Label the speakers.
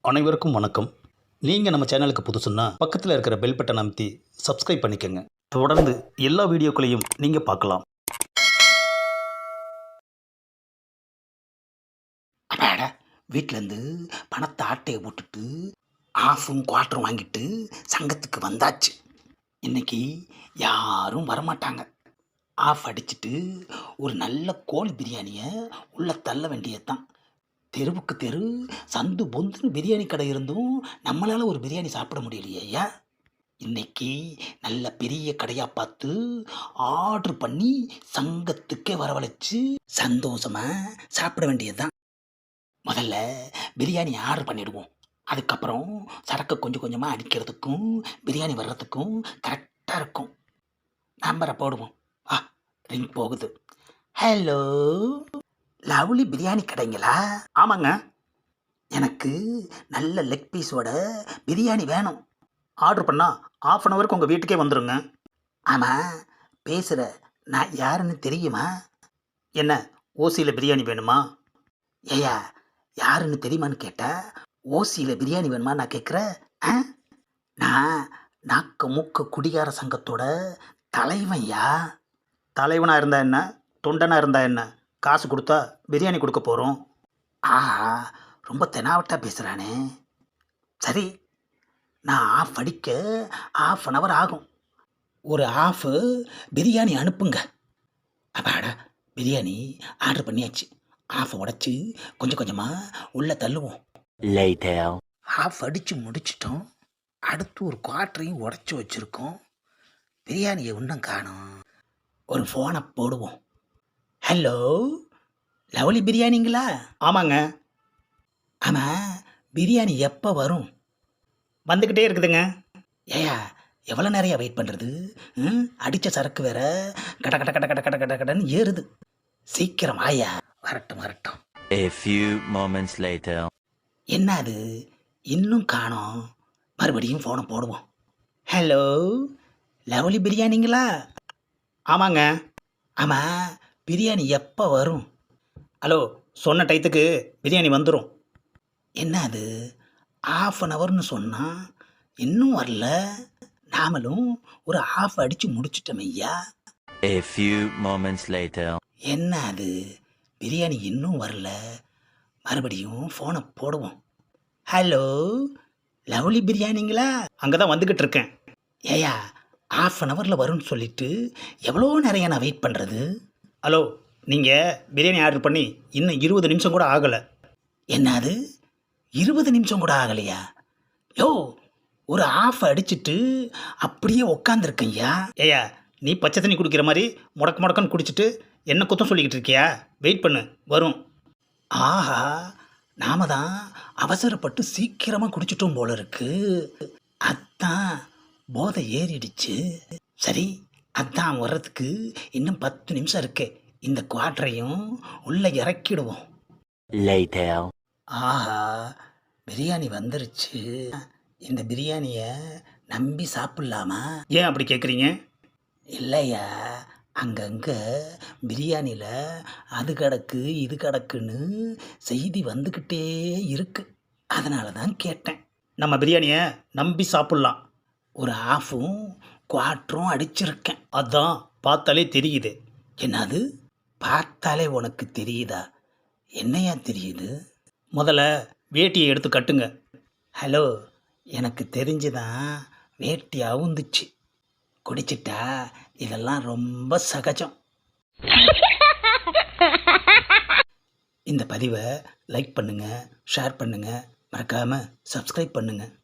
Speaker 1: அனைவருக்கும் வணக்கம். நீங்கள் நம்ம சேனலுக்கு புதுசுன்னா பக்கத்தில் இருக்கிற பெல் பட்டன் அமைத்தி சப்ஸ்கிரைப் பண்ணிக்கோங்க. தொடர்ந்து எல்லா வீடியோக்களையும் நீங்கள் பார்க்கலாம்.
Speaker 2: அடாட, வீட்டிலேருந்து பணத்தை ஆட்டையை போட்டுட்டு ஆஃபும் குவார்ட்டரும் வாங்கிட்டு சங்கத்துக்கு வந்தாச்சு. இன்னைக்கு யாரும் வரமாட்டாங்க. ஆஃப் அடிச்சுட்டு ஒரு நல்ல கோழி பிரியாணியை உள்ள தள்ள வேண்டியதுதான். தெருவுக்கு தெரு சந்து பொந்துன்னு பிரியாணி கடை இருந்தும் நம்மளால் ஒரு பிரியாணி சாப்பிட முடியலையே ஐயா. இன்னைக்கு நல்ல பெரிய கடையாக பார்த்து ஆர்டர் பண்ணி சங்கத்துக்கே வரவழைச்சு சந்தோஷமாக சாப்பிட வேண்டியதுதான். முதல்ல பிரியாணி ஆர்டர் பண்ணிடுவோம். அதுக்கப்புறம் சரக்கு கொஞ்சம் கொஞ்சமாக அடிக்கிறதுக்கும் பிரியாணி வர்றதுக்கும் கரெக்டாக இருக்கும். நம்பரை போடுவோம். ரிங் போகுது. ஹலோ, லவ்லி பிரியாணி கடைங்களா?
Speaker 1: ஆமாங்க.
Speaker 2: எனக்கு நல்ல லெக் பீஸோட பிரியாணி வேணும்.
Speaker 1: ஆர்டர் பண்ணால் ½ அன் ஹவருக்கு உங்கள் வீட்டுக்கே வந்துடுங்க.
Speaker 2: ஆமாம், பேசுகிற நான் யாருன்னு தெரியுமா?
Speaker 1: என்ன, ஓசியில் பிரியாணி வேணுமா?
Speaker 2: ஏயா, யாருன்னு தெரியுமான்னு கேட்டால் ஓசியில் பிரியாணி வேணுமா நான் கேட்குறேன். நான் நாக்க மூக்க குடிகார சங்கத்தோட தலைவன்யா.
Speaker 1: தலைவனாக இருந்தால் என்ன, தொண்டனாக இருந்தால் என்ன, காசு கொடுத்தா பிரியாணி கொடுக்க போகிறோம்.
Speaker 2: ஆஹா, ரொம்ப தெனாவட்டாக பேசுகிறானே. சரி, நான் ஆஃப் அடிக்க ½ அன் ஹவர் ஆகும். ஒரு ஆஃபு பிரியாணி அனுப்புங்க. அப்பாடா, பிரியாணி ஆர்டர் பண்ணியாச்சு. ஆஃபை உடச்சி கொஞ்சம் கொஞ்சமாக உள்ளே தள்ளுவோம். ஆஃப் அடித்து முடிச்சிட்டோம். அடுத்து ஒரு குவார்ட்டரையும் உடச்சி வச்சுருக்கோம். பிரியாணியை இன்னும் காணோம். ஒரு ஃபோனை போடுவோம். ஹலோ, லவ்லி பிரியாணிங்களா?
Speaker 1: ஆமாங்க.
Speaker 2: ஆமாம், பிரியாணி எப்போ வரும்?
Speaker 1: வந்துக்கிட்டே இருக்குதுங்க.
Speaker 2: ஏயா, எவ்வளோ நிறையா வெயிட் பண்ணுறது? அடித்த சரக்கு வேற கட கட கட கட கட கட கடன்னு ஏறுது. சீக்கிரம் ஆயா. வரட்டும் வரட்டும்.
Speaker 3: A few moments later.
Speaker 2: என்ன அது, இன்னும் காணோம். மறுபடியும் ஃபோனை போடுவோம். ஹலோ, லவ்லி பிரியாணிங்களா?
Speaker 1: ஆமாங்க.
Speaker 2: ஆமாம், பிரியாணி எப்போ வரும்?
Speaker 1: ஹலோ, சொன்ன டயத்துக்கு பிரியாணி வந்துடும்.
Speaker 2: என்ன அது, ½ அன் ஹவர்னு சொன்னால் இன்னும் வரல. நாமளும் ஒரு ஆஃப் அடித்து முடிச்சிட்டோம் ஐயா.
Speaker 3: A few moments later.
Speaker 2: என்ன அது, பிரியாணி இன்னும் வரல. மறுபடியும் ஃபோனை போடுவோம். ஹலோ, லவ்லி பிரியாணிங்களா?
Speaker 1: அங்கே தான் வந்துக்கிட்டு இருக்கேன்.
Speaker 2: ஏயா, ½ அன் ஹவரில் வரும்னு சொல்லிட்டு எவ்வளோ நிறைய நான் வெயிட் பண்ணுறது.
Speaker 1: ஹலோ, நீங்கள் பிரியாணி ஆர்டர் பண்ணி இன்னும் 20 நிமிஷம் கூட ஆகலை.
Speaker 2: என்னது, 20 நிமிஷம் கூட ஆகலையா? யோ, ஒரு ஆஃப் அடிச்சுட்டு அப்படியே உக்காந்துருக்கையா.
Speaker 1: ஏயா, நீ பச்சை தண்ணி குடிக்கிற மாதிரி முடக்கு முடக்கன்னு குடிச்சிட்டு என்ன குத்தம் சொல்லிக்கிட்டு இருக்கியா? வெயிட் பண்ணு, வரும்.
Speaker 2: ஆஹா, நாம தான் அவசரப்பட்டு சீக்கிரமாக குடிச்சிட்டோம் போல இருக்கு. அதான் போதை ஏறிடுச்சு. சரி, அதான் வர்றதுக்கு இன்னும் 10 நிமிஷம் இருக்கு. இந்த குவார்ட்டரையும் உள்ளே இறக்கிடுவோம். ஆஹா, பிரியாணி வந்துருச்சு. இந்த பிரியாணியை நம்பி சாப்பிட்லாமா?
Speaker 1: ஏன் அப்படி கேட்குறீங்க?
Speaker 2: இல்லையா, அங்கங்கே பிரியாணியில் அது கிடக்கு இது கிடக்குன்னு செய்தி வந்துக்கிட்டே இருக்கு. அதனால தான் கேட்டேன்.
Speaker 1: நம்ம பிரியாணியை நம்பி சாப்பிட்லாம்.
Speaker 2: ஒரு ½ குவார்ட்டரும் அடிச்சிருக்கேன்.
Speaker 1: அதான் பார்த்தாலே தெரியுது.
Speaker 2: என்னது, பார்த்தாலே உனக்கு தெரியுதா? என்னையா தெரியுது?
Speaker 1: முதல்ல வேட்டியை எடுத்து கட்டுங்க.
Speaker 2: ஹலோ, எனக்கு தெரிஞ்சுதான் வேட்டி அவுந்துச்சு. குடிச்சிட்டா இதெல்லாம் ரொம்ப சகஜம். இந்த பதிவை லைக் பண்ணுங்கள், ஷேர் பண்ணுங்கள், மறக்காமல் சப்ஸ்கிரைப் பண்ணுங்கள்.